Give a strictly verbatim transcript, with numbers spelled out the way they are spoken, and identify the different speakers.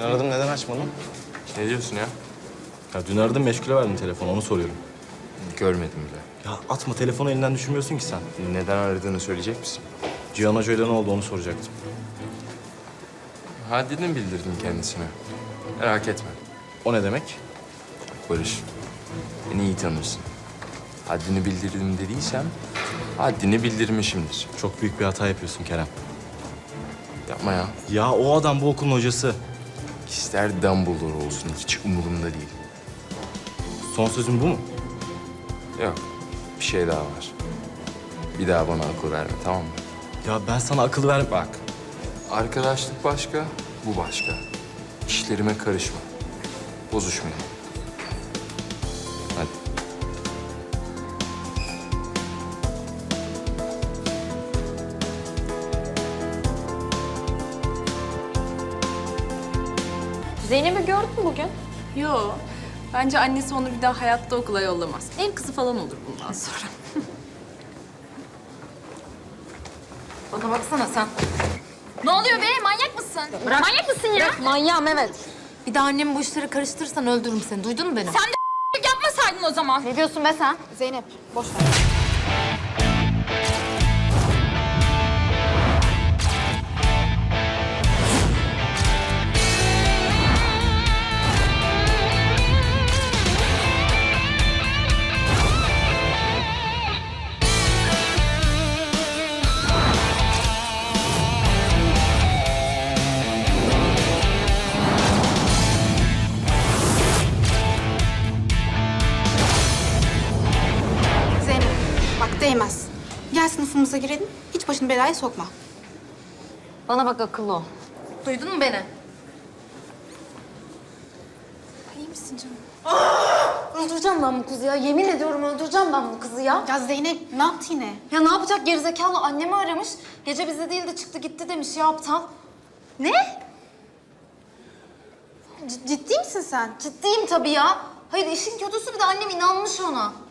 Speaker 1: Aradım, neden açmadın?
Speaker 2: Ne diyorsun ya?
Speaker 1: Ya dün aradım, meşgule verdim telefonu, onu soruyorum.
Speaker 2: Görmedim bile.
Speaker 1: Ya atma, telefonu elinden düşürmüyorsun ki sen.
Speaker 2: Neden aradığını söyleyecek misin?
Speaker 1: Cihan Hoca'yla ne oldu onu soracaktım.
Speaker 2: Haddini bildirdim kendisine. Merak etme.
Speaker 1: O ne demek?
Speaker 2: Barış, beni iyi tanırsın. Haddini bildirdim dediysem, haddini bildirmişimdir.
Speaker 1: Çok büyük bir hata yapıyorsun Kerem.
Speaker 2: Yapma ya.
Speaker 1: Ya o adam bu okulun hocası.
Speaker 2: İster Dumbledore olsun, hiç umurumda değil.
Speaker 1: Son sözün bu mu?
Speaker 2: Yok, bir şey daha var. Bir daha bana akıl verme, tamam mı?
Speaker 1: Ya ben sana akıl ver...
Speaker 2: Bak, arkadaşlık başka, bu başka. İşlerime karışma. Bozuşmayalım. Hadi.
Speaker 3: Zeynep'i gördün mü bugün?
Speaker 4: Yo. Bence annesi onu bir daha hayatta okula yollamaz. Ev kızı falan olur bundan sonra.
Speaker 3: Bana baksana sen. Ne oluyor be? Manyak mısın? Bırak. Manyak mısın ya? Bırak. Manyağım evet. Bir daha annemi bu işlere karıştırırsan öldürürüm seni. Duydun mu beni?
Speaker 5: Sen de yapmasaydın o zaman.
Speaker 3: Ne diyorsun be sen?
Speaker 5: Zeynep, boş ver. Zeynep, bak değmez. Gel sınıfımıza girelim, hiç başını belaya sokma.
Speaker 3: Bana bak akıllı ol. Duydun mu beni?
Speaker 5: İyi misin canım?
Speaker 3: Öldüreceğim ben bu kızı ya. Yemin ediyorum öldüreceğim ben bu kızı ya.
Speaker 5: Ya Zeynep, ne yaptı yine?
Speaker 3: Ya ne yapacak gerizekalı annemi aramış. Gece bizde değil de çıktı gitti demiş ya aptal.
Speaker 5: Ne? C- ciddi misin sen?
Speaker 3: Ciddiyim tabii ya. Hayır işin kötüsü bir de annem inanmış ona.